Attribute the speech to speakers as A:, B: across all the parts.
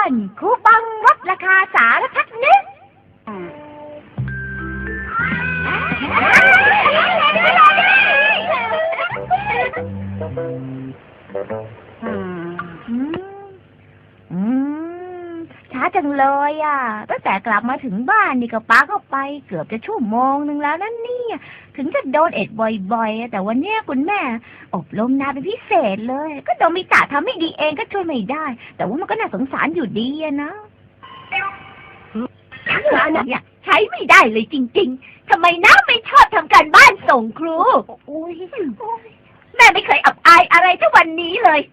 A: อนคูปองลดราคาสารพัดนึกช้าจังเลยอ่ะตั้งแต่กลับมาถึงบ้านนี่ก็ป้าเข้าไปเกือบจะชั่วโมงนึงแล้วนั่นนี่ถึงจะโดนเอ็ดบ่อยๆแต่วันนี้คุณแม่อบรมนานเป็นพิเศษเลยก็โดมิตะทำไม่ดีเองก็ช่วยไม่ได้แต่ว่ามันก็น่าสงสารอยู่ดีอะนะเนี่ยใช้ไม่ได้เลยจริงๆทำไมน้าไม่ชอบทำการบ้านส่งครูแม่ไม่เคยอับอายอะไรเท่าวันนี้เลย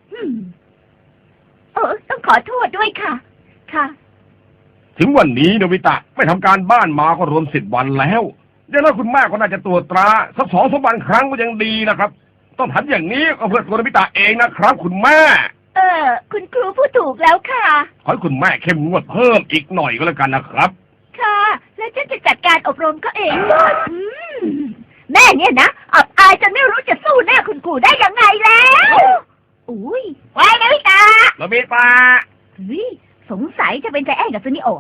A: ต้องขอโทษด้วยค่ะค่ะ
B: ถึงวันนี้โนบิตะไม่ทำการบ้านมาก็รวม10 วันแล้วเดี๋ยวนั้นคุณแม่ก็น่าจะตรวจตราสัก2-3 วันครั้งก็ยังดีนะครับต้องทำอย่างนี้ก็เพื่อตัวโนบิตะเองนะครับคุณแม่
A: คุณครูพูดถูกแล้วค่ะ
B: ขอให้คุณแม่เข้มงวดเพิ่มอีกหน่อยก็แล้วกันนะครับ
A: ค่ะแล้วฉันจะจัดการอบรมก็เองแม่เนี่ยนะอับอายจนไม่รู้จะสู้หน้าคุณครูได้ยังไงแล้วอุ้ยไว้โนบิตะสงสัยจะเป็นใจแอนกับซูนิโอ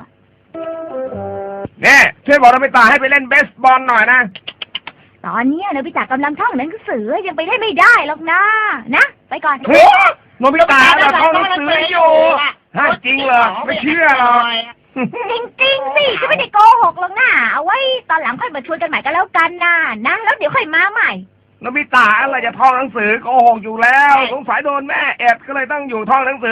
B: เนี่ยช่วยบอกโนบิตะให้ไปเล่นเบสบอลหน่อยนะ
A: ตอนนี้โนบิตะกำลังท่องหนังสือยังไปเล่นไม่ได้หรอกนะไปก่อน
B: โนบิตะเราท่องหนังสืออยู่จริงเหรอไม่เชื่อหรอก
A: จริงๆสิจะไม่ได้โกหกหรอกนะเอาไว้ตอนหลังค่อยมาชวนกันใหม่ก็แล้วกันนะแล้วเดี๋ยวค่อยมาใหม่
B: โนบิตะอะไรจะท่องหนังสือโกหกอยู่แล้วสงสัยโดนแม่แอบก็เลยต้องอยู่ท่องหนังสือ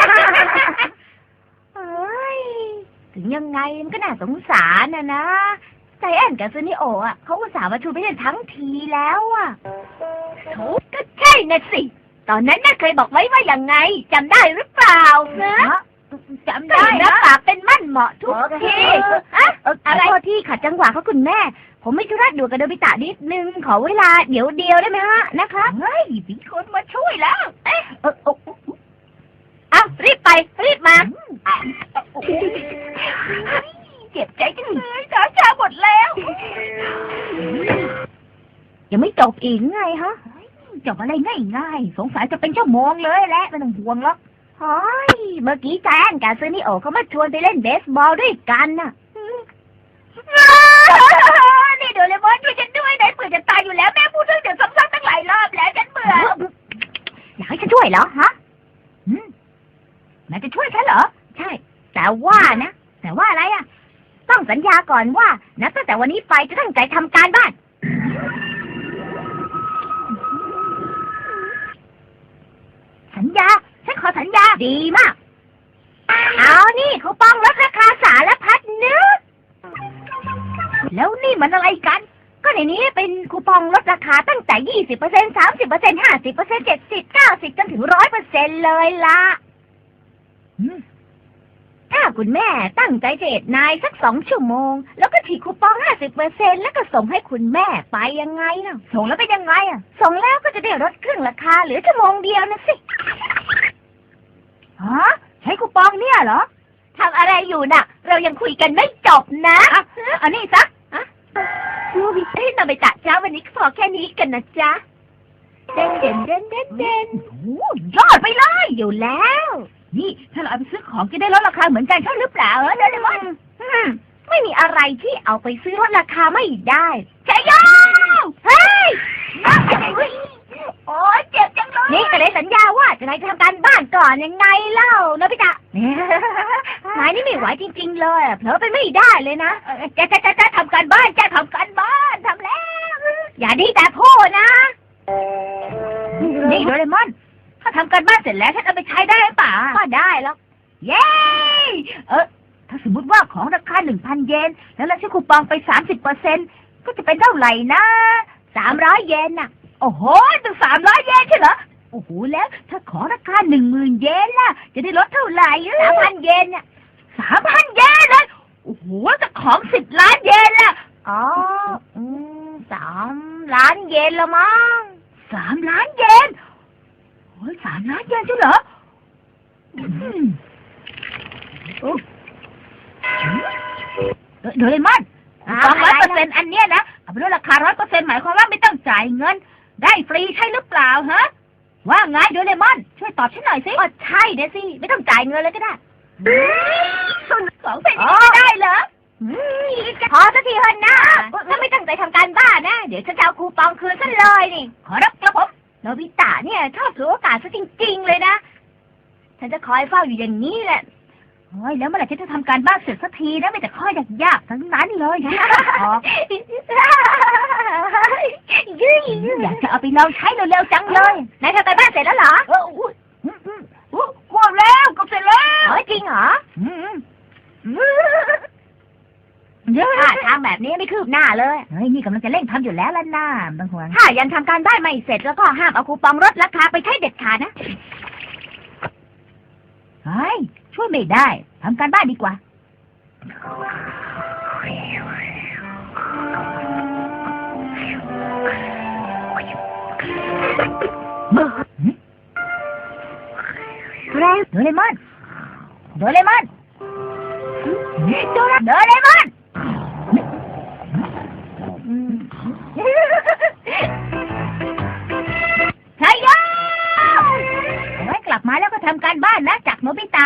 A: ถึงยังไงมันก็น่าสงสารนะใจแอนกับซูนิโอเขาอุตส่าห์มาชวนไปเล่นทั้งทีแล้วก็ใช่นะสิตอนนั้นน่าเคยบอกไว้ว่าอย่างไงจำได้หรือเปล่านะจำได้รับปากเป็นมั่นเหมาะทุกทีอะไรที่ขัดจังหวะเขาคุณแม่ผมไม่ธุระด่วนกับโนบิตะนิดนึงขอเวลาเดี๋ยวเดียวได้ไหมฮะนะคะมีคนมาช่วยแล้วรีบไปรีบมาเจ็บใจจังเลยช้าหมดแล้วยังไม่จบอีกไงฮะจบอะไรง่ายๆสงสัยจะเป็นชั่วโมงเลยแหละไม่ต้องห่วงหรอกเฮ้ยเมื่อกี้แจนกับซูนิโอเขามาชวนไปเล่นเบสบอลด้วยกันน่ะนี่โดเรมอนช่วยฉันด้วยไหนเบื่อจะตายอยู่แล้วแม่พูดเรื่องเดี๋ยวซ้ำๆตั้งหลายรอบแล้วฉันเบื่ออยากให้ฉันช่วยเหรอฮะแม่จะช่วยฉันเหรอใช่แต่ว่าอะไรต้องสัญญาก่อนว่านับตั้งแต่วันนี้ไปจะตั้งใจทำการบ้านสัญญาฉันขอสัญญาดีมากเอานี่คูปองลดราคาสารพัดนึกแล้วนี่มันอะไรกันก็ในนี้เป็นคูปองลดราคาตั้งแต่ 20% 30% 50% 70% 90%จนถึง 100% เลยล่ะถ้าคุณแม่ตั้งใจจะเอ็ดนายสัก2 ชั่วโมงแล้วก็ถีบคูปอง 50% แล้วก็ส่งให้คุณแม่ไปยังไงล่ะส่งแล้วเป็นยังไงส่งแล้วก็จะได้ลดครึ่งราคาเหลือชั่วโมงเดียวนะสิใช้คูปองเนี่ยเหรอทำอะไรอยู่น่ะเรายังคุยกันไม่จบนะอันนี้ซะดูวิเศษนาไปตัดจ้าวันนี้พอแค่นี้กันนะจ๊ะเด่นโอ้ยอดไปเลยอยู่แล้วนี่ถ้าเราเอาไปซื้อของจะได้ลดราคาเหมือนกันใช่หรือเปล่าโดเรมอนไม่มีอะไรที่เอาไปซื้อลดราคาไม่ได้ใช่ย่อเฮ้ยโอ้ยเจ็บจังเลยนี่ก็เลยสัญญาว่าจะนายจะทำการบ้านก่อนยังไงเล่าโนบิตะนายนี่ไม่ไหวจริงๆเลยเผลอไปไม่ได้เลยนะจะทำการบ้านทำแล้วอย่าดีแต่พูดนะนี่โดเรมอนถ้าทำการบ้านเสร็จแล้วฉันเอาไปใช้ได้หรือเปล่าก็ได้แล้วเย้ถ้าสมมติว่าของราคา 1,000 เยนแล้วเราใช้คูปองไป 30% ก็จะเป็นเท่าไหร่นะ300 เยนน่ะโอ้โหถึง300 เยนใช่เหรอโอ้โหแล้วถ้าของราคา 10,000 เยนล่ะจะได้ลดเท่าไหร่ 3,000 เยนเนี่ย 3,000 เยนเลยโอ้โหจะของ10 ล้านเยนล่ะ3 ล้านเยนละมั้ง3 ล้านเยนโอ้ย3 ล้านเยนใช่เหรอโดเรมอนคูปอง 100% อันเนี้ยนะเอาไปลดราคา 100% หมายความว่าไม่ต้องจ่ายเงินได้ฟรีใช่หรือเปล่าฮะว่าไงโดเรมอนช่วยตอบฉันหน่อยสิใช่เดี๋ยวสิไม่ต้องจ่ายเงินเลยก็ได้ของเป็นอย่างนี้ได้เหรอพอสักทีเถอะนะถ้าไม่ตั้งใจทำการบ้านนะเดี๋ยวฉันจะเอาคูปองคืนซะเลยนี่ขอรับกระผมโนบิตะเนี่ยชอบถือโอกาสซะจริงๆเลยนะฉันจะคอยเฝ้าอยู่อย่างนี้แหละโอ้ยแล้วเมื่อไหร่ฉันจะทำการบ้านเสร็จสักทีนะไม่แต่ข้อยากๆทั้งนั้นเลยอยากจะเอาไปลองใช้เร็วๆจังเลยนายทำการบ้านเสร็จแล้วเหรอหมดแล้วก็เสร็จแล้วจริงเหรอทางแบบนี้ไม่คืบหน้าเลยเฮ้ยนี่กำลังจะเร่งทำอยู่แล้วล่ะน้าบางคนถ้ายังทำการบ้านไม่เสร็จแล้วก็ห้ามเอาคูปองลดราคาไปใช้เด็ดขาดนะเฮ้ยช่วยไม่ได้ทำการบ้านดีกว่าโดเรมอนโดเรมอนใช่แล้วไว้กลับมาแล้วก็ทำการบ้านนะจากโนบิตะ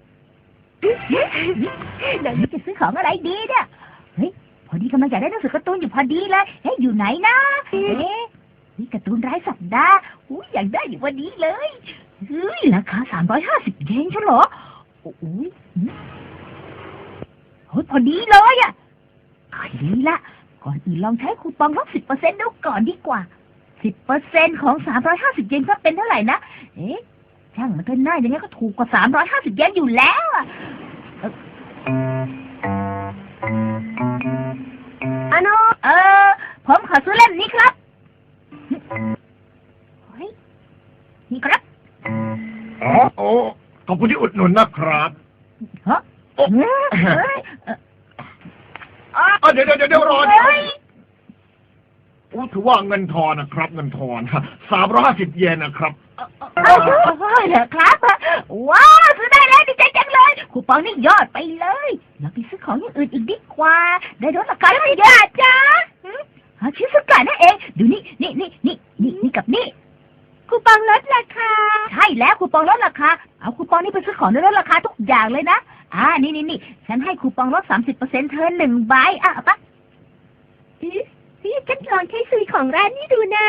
A: เดี๋ยวนี้จะซื้อของอะไรดีเนี่ยเฮ้ยพอดีกำลังอยากได้หนังสือการ์ตูนอยู่พอดีเลยเฮ้ยอยู่ไหนนะนี่การ์ตูนรายสัปดาห์อยากได้อยู่วันนี้เลยเฮ้ยราคา350 เยนใช่เหรอโอ้ยพอดีเลยอ่ะดีละก่อนอื่นลองใช้คูปองลด 10% ดูก่อนดีกว่า 10% ของ350 เยนก็เป็นเท่าไหร่นะช่างมันก็น่าอย่างงี้ก็ถูกกว่า350 เยนอยู่แล้วอ่ะผมขอซื้อเล่มนี้ครับนี่ครับ
C: ขอบคุณที่อุดหนุนนะครับเดี๋ยวรอถือว่าเงินทอนนะครับเงินทอน350 เยนนะครับ
A: เหรอครับว้าวซื้อได้แล้วดีใจจังเลยคูปองนี่ยอดไปเลยเราไปซื้อของอย่างอื่นอีกดีกว่าได้ลดราคาไม่เยอะจ้าชิซุกะนั่นเองดูนี่กับนี่คูปองลดราคาใช่แล้วคูปองลดราคาเอาคูปองนี้ไปซื้อของได้ลดราคาทุกอย่างเลยนะนี่ฉันให้คูปองลด 30% เธอ1 ใบปะฉันลองใช้ซื้อของร้านนี้ดูนะ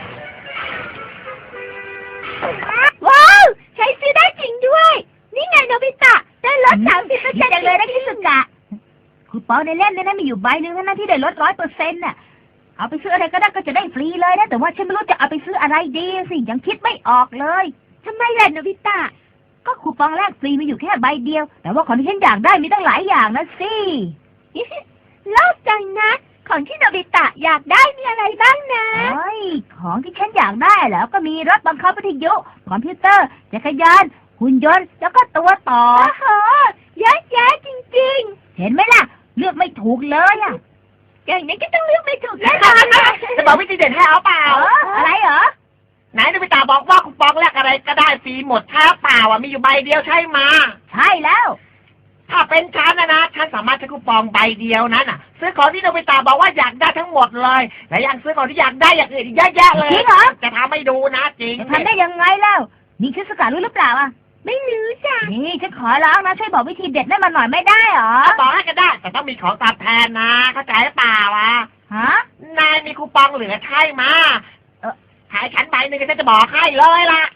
A: ว้าวใช้ซื้อได้จริงด้วยนี่ไงโนบิตะได้ลด 30% จังเลยนะชิซุกะคูปองในเล่มนั้นมีอยู่ใบนึงนะที่ได้ลด 100% น่ะเอาไปซื้ออะไรก็ได้ก็จะได้ฟรีเลยนะแต่ว่าฉันไม่รู้จะเอาไปซื้ออะไรดีสิยังคิดไม่ออกเลยทำไมล่ะโนบิตะก็คูปองแรกฟรีมีอยู่แค่ใบเดียวแต่ว่าของที่ฉันอยากได้มีตั้งหลายอย่างนะสิเล่าจังนะของที่โนบิตะอยากได้มีอะไรบ้างนะของที่ฉันอยากได้แล้วก็มีรถบังคับวิทยุคอมพิวเตอร์จักรยานหุ่นยนต์แล้วก็ตัวต่อเยอะแยะจริงๆเห็นไหมล่ะเลือกไม่ถูกเลยอ่ะอย่างนี้ก็ต้องเลือกไม่ถูกแน่นอน
C: จะบอกวิธีเด็ดให้เอาเปล่า
A: อะไรเหรอ
C: ไหนโนบิตะบอกว่าคูปองแรกอะไรก็ได้ฟรีหมดถ้าเปล่ามีอยู่ใบเดียวใช่ไหม
A: ใช่แล้ว
C: ถ้าเป็นฉันนะฉันสามารถใช้คูปองใบเดียวนั้นซื้อของที่โนบิตะบอกว่าอยากได้ทั้งหมดเลยและยังซื้อของที่อยากได้อย่างอื่นเยอะแยะเลย
A: จริงเหรอ
C: จะทำให้ดูนะจริง
A: ทำได้ยังไงแล้วนี่ชิซุกะรู้หรือเปล่าไม่รู้จ้ะนี่ฉันขอร้องนะช่วยบอกวิธีเด็ดให้มาหน่อยไม่ได้หรอ
C: บอกให้ก็ได้แต่ต้องมีของตอบแทนนะเข้าใจหรือเปล่านายมีคูปองเหลือใช่ไหมขายฉันใบหนึ่งฉันจะบอกให้เลยล่ะ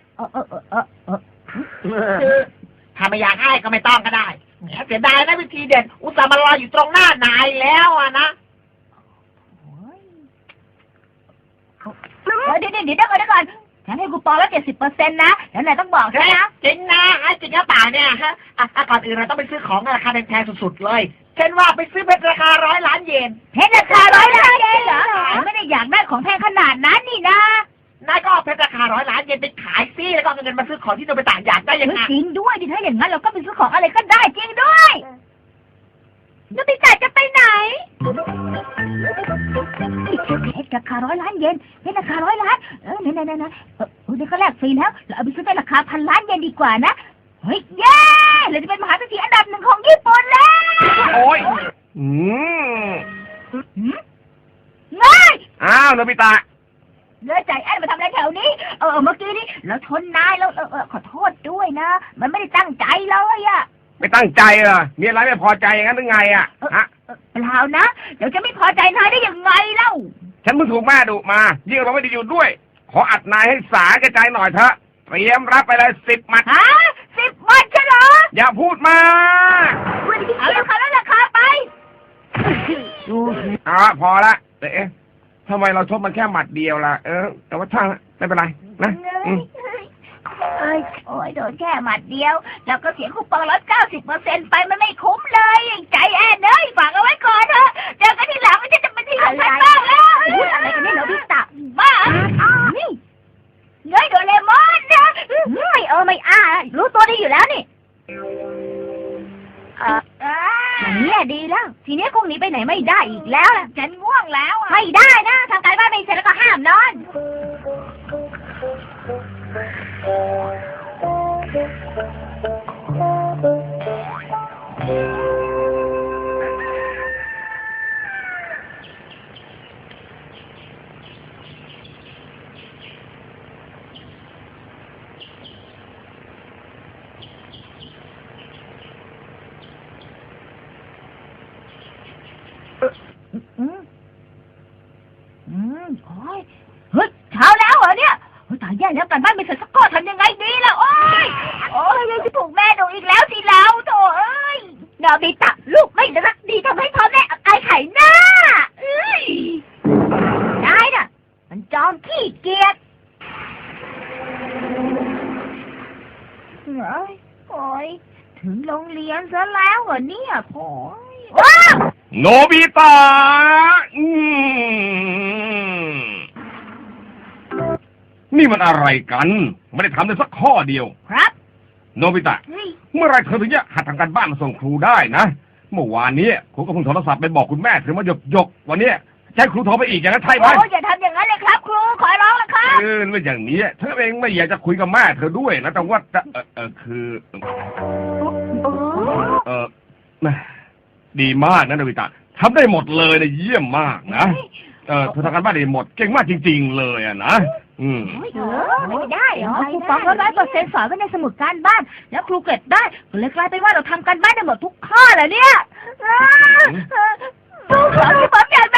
C: คือถ้าไม่อยากให้ก็ไม่ต้องก็ได้เสียดายนะวิธีเด็ดอุตส่าห์มารออยู่ตรงหน้านายแล้วนะ
A: เดี๋ยวก่อนฉันให้คูปองแล้ว 70% นะแล้วนายต้องบอกด้วยนะ
C: จริงนะจริงหรือเปล่าเนี่ยก่อนอื่นเราต้องไปซื้อของราคาแพงๆสุดๆเลยเช่นว่าไปซื้อเพชรราคา100 ล้านเยน
A: เพชรราคา100 ล้านเยนเหรอไม่ได้อยากได้ของแพงขนาดนั้นนี่นะ
C: นายก็เอาเพชรราคา100 ล้านเยนไปขายซิแล้วก็เงินมาซื้อของที่โนบิตะอยากได้ยังไง
A: จริงด้วยดิถ้าอย่างนั้นเราก็ไปซื้อของอะไรก็ได้จริงด้วยโนบิตะจะไปไหนเพชรราคา100 ล้านเยนเพชรราคา100 ล้านไหนเดี๋ยวก็แลกฟรีแล้วเราเอาไปซื้อในราคา1,000 ล้านเยนดีกว่านะเฮ้ยเย้เราจะเป็นมหาเศรษฐีอันดับ 1ของญี่ปุ่นแล้ว
B: โอ้ย
A: ง่าย
B: โนบิตะ
A: เลือใจแอนมาทำอะไรแถวนี้เมื่อกี้นี้เราชนนายแล้วขอโทษด้วยนะมันไม่ได้ตั้งใจเลย
B: ไม่ตั้งใจเหรอมีอะไรไม่พอใจอย่างนั้นหรือไงอ่ะฮะ
A: เปล่านะเดี๋ยวจะไม่พอใจนายได้ยังไงเล่า
B: ฉันเพิ่งถูกแม่ดุมายิ่งเราไม่ได้อยู่ด้วย ขออัดนายให้สากระจายหน่อยเถอะเตรียมรับไปเลย10 หมัด
A: ฮะ10 วันใช่เหรอ
B: อย่าพูดมา
A: เอาราคาแล้วราคาไป
B: พอละเอ๊ะทำไมเราชกมันแค่หมัดเดียวล่ะแต่ว่าช่างไม่เป็นไรนะ
A: โอ้ยโดนแค่หมัดเดียว แล้วก็เสียคูปองลด 90%ไปมันไม่คุ้มเลยใจแอนเอ้ยฝากเอาไว้ก่อนเถอะเจอกันทีหลังมันจะเป็นที่ของฉันบ้างแล้วอะไรกันเนี่ยโนบิตะบ้านี่เงยโดเรมอนนะไม่รู้ตัวดีอยู่แล้วนี่เนี่ยดีแล้วทีนี้คงหนีไปไหนไม่ได้อีกแล้วล่ะฉันง่วงแล้วไม่ได้นะทำการบ้านไม่เสร็จแล้วก็ห้ามนอนโอ้ยเฮ้ยเช้าแล้วเหรอเนี่ยตายแย่แล้วกันบ้านไม่เสร็จสักข้อทำยังไงดีล่ะโอ้ยยังจะถูกแม่ดุอีกแล้วสิเราโถเอ้ยโนบิตะลูกไม่รักดีทำให้พ่อแม่อับอายไข่หน้าได้น่ะมันจอมขี้เกียจโอ้ยถึงโรงเรียนซะแล้วเหรอเนี่ยโอ้ยว้าว
B: โนบิตะนี่มันอะไรกันไม่ได้ทำเลยสักข้อเดียว
A: ครับ
B: โนบิตะเมื่อไรเธอถึงจะหัดทำการบ้านมาส่งครูได้นะเมื่อวานนี้ครูก็เพิ่งโทรศัพท์ไปบอกคุณแม่ถึงมาหยกวันนี้จะให้ครูโทรไปอีกอย่างนั้นใช่ไหม
A: โอ้อย่าทำอย่างนั้นเลยครับครูขอร้องแล้วครับ
B: ไม่อย่างนี้เธอเองไม่อยากจะคุยกับแม่เธอด้วยนะแต่ว่าคือดีมากนะโนบิตะทำได้หมดเลยนะเยี่ยมมากนะเธอทำการบ้านได้หมดเก่งมากจริงๆเลยนะ
A: ไม่ได้เหรอครูฟัง100%สอนไว้ในสมุดการบ้านแล้วครูเก็บได้ก็เลยกลายเป็นว่าเราทำการบ้านได้หมดทุกข้อเลยเนี่ยครูขอที่ผมอยาก